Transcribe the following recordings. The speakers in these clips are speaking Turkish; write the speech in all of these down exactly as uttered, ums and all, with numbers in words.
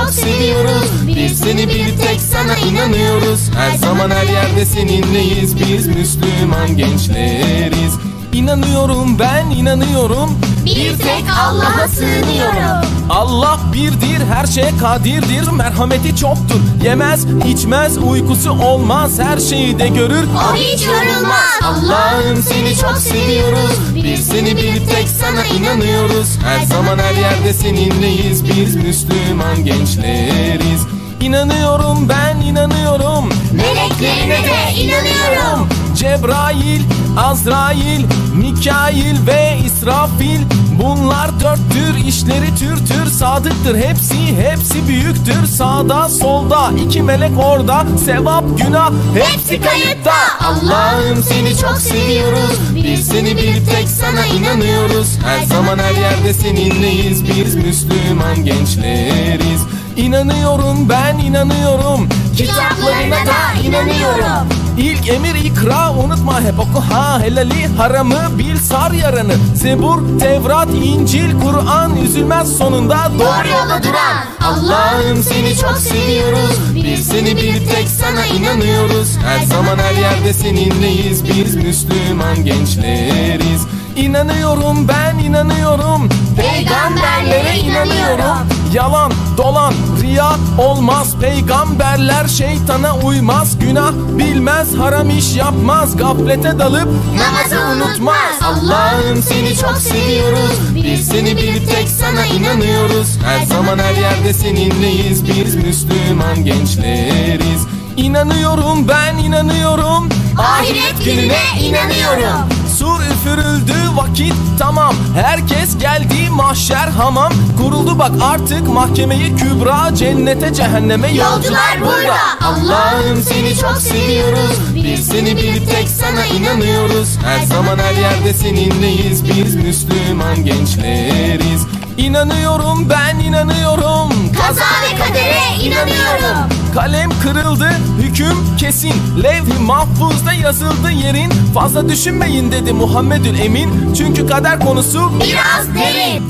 çok seviyoruz. Biz seni bir tek sana inanıyoruz. Her zaman her yerde seninleyiz. Biz Müslüman gençleriz. İnanıyorum, ben inanıyorum. Bir tek Allah'a sığınıyorum. Allah birdir, her şeye kadirdir. Merhameti çoktur, yemez, içmez, uykusu olmaz. Her şeyi de görür, O hiç yorulmaz. Allah'ım seni çok seviyoruz. Biz seni bir tek sana inanıyoruz. Her zaman her yerde seninleyiz. Biz Müslüman gençleriz. İnanıyorum, ben inanıyorum. Meleklerine de inanıyorum. Cebrail, Azrail, Mikail ve İsrafil, bunlar dörttür, işleri tür tür sadıktır. Hepsi hepsi büyüktür. Sağda solda iki melek orada. Sevap günah hepsi kayıtta. Allah'ım seni çok seviyoruz. Biz seni bir tek sana inanıyoruz. Her zaman her yerde seninleyiz. Biz Müslüman gençleriz. İnanıyorum, ben inanıyorum. Kitaplarına da inanıyorum. İlk emir ikra, unutma hep oku ha. Helali haramı bil, sar yaranı. Zebur, Tevrat, İncil, Kur'an, üzülmez sonunda Doğru yola duran. Allah'ım seni çok seviyoruz. Biz seni bir tek sana inanıyoruz. Her zaman her yerde seninleyiz. Biz Müslüman gençleriz. İnanıyorum, ben inanıyorum. Peygamberlere inanıyorum. Yalan, dolan, riya olmaz. Peygamberler şeytana uymaz. Günah bilmez, haram iş yapmaz. Gaflete dalıp Namazı unutmaz. Allah'ım seni çok seviyoruz. Biz seni bir tek sana inanıyoruz. Her zaman her yerde seninleyiz. Biz Müslüman gençleriz. İnanıyorum, ben inanıyorum. Ahiret gününe inanıyorum. Sur üfürüldü, vakit tamam. Herkes geldi, mahşer hamam. Kuruldu bak artık mahkemeyi kübra. Cennete cehenneme Yolcular burada. Allah'ım seni çok seviyoruz. Biz seni bir tek sana inanıyoruz. Her zaman her yerde seninleyiz. Biz Müslüman gençleriz. İnanıyorum, ben inanıyorum. Kaza ve kadere inanıyorum. Kalem kırıldı, hüküm kesin. Levh-i mahfuzda yazıldı yerin. Fazla düşünmeyin dedi Muhammedül Emin. Çünkü kader konusu Biraz derin.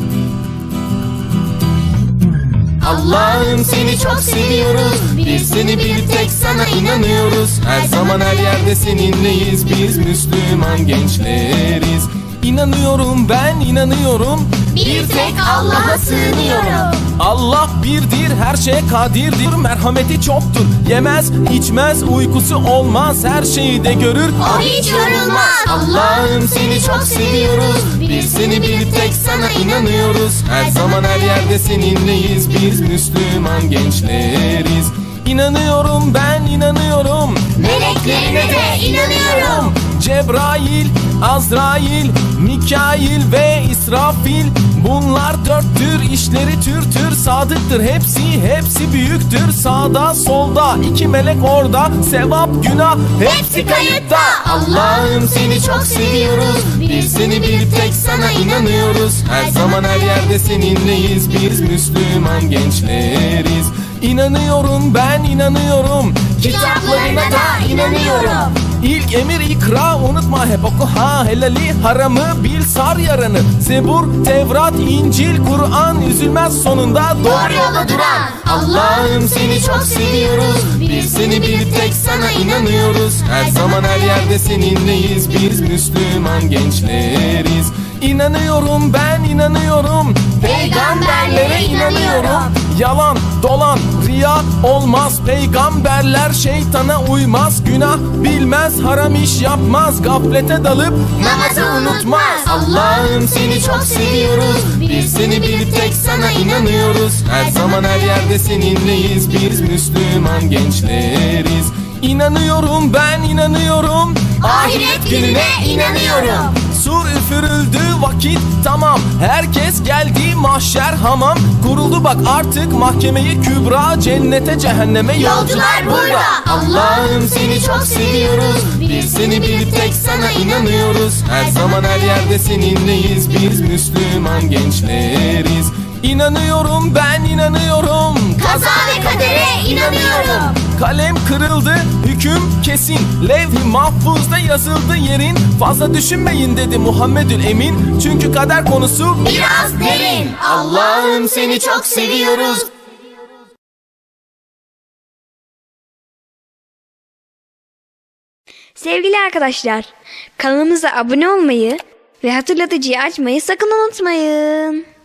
Allah'ım seni çok seviyoruz. Biz seni bir tek sana inanıyoruz. Her zaman her yerde seninleyiz. Biz Müslüman gençleriz. İnanıyorum, ben inanıyorum. Bir tek Allah'a sığınıyorum. Allah birdir, her şeye kadirdir. Merhameti çoktur, yemez, içmez, uykusu olmaz. Her şeyi de görür, O hiç yorulmaz. Allah'ım seni çok seviyoruz. Biz seni bir tek sana inanıyoruz. Her zaman her yerde seninleyiz. Biz Müslüman gençleriz. İnanıyorum, ben inanıyorum. Meleklerine de inanıyorum. Cebrail, Azrail, Mikail ve İsrafil, bunlar dörttür, işleri tür tür sadıktır. Hepsi hepsi büyüktür. Sağda solda iki melek orada. Sevap günah hepsi kayıtta. Allah'ım seni çok seviyoruz. Biz seni bir tek sana inanıyoruz. Her zaman her yerde seninleyiz. Biz Müslüman gençleriz. İnanıyorum, ben inanıyorum. Kitaplarına da inanıyorum. İlk emir ikra, unutma hep oku ha. Helali haramı bil, sar yaranı. Zebur, Tevrat, İncil, Kur'an, üzülmez sonunda Doğru yola duran. Allah'ım seni çok seviyoruz. Biz seni bir tek sana inanıyoruz. Her zaman her yerde seninleyiz. Biz Müslüman gençleriz. İnanıyorum, ben inanıyorum. Peygamberlere inanıyorum. Yalan, dolan, riya olmaz. Peygamberler şeytana uymaz. Günah bilmez, haram iş yapmaz. Gaflete dalıp Namazı unutmaz. Allah'ım seni çok seviyoruz. Biz seni bir tek sana inanıyoruz. Her zaman her yerde seninleyiz. Biz Müslüman gençleriz. İnanıyorum, ben inanıyorum. Ahiret gününe inanıyorum. Sur üfürüldü, vakit tamam. Herkes geldi, mahşer hamam. Kuruldu bak artık mahkemeyi kübra. Cennete cehenneme Yolcular burada. Allah'ım seni çok seviyoruz. Biz seni bir tek sana inanıyoruz. Her zaman her yerde seninleyiz. Biz Müslüman gençleriz. İnanıyorum, ben inanıyorum. Kaza ve kadere inanıyorum. Kalem kırıldı, hüküm kesin. Levh-i mahfuzda yazıldı yerin. Fazla düşünmeyin dedi Muhammedül Emin. Çünkü kader konusu Biraz derin. Allah'ım seni çok seviyoruz. Sevgili arkadaşlar, kanalımıza abone olmayı ve hatırlatıcıyı açmayı sakın unutmayın.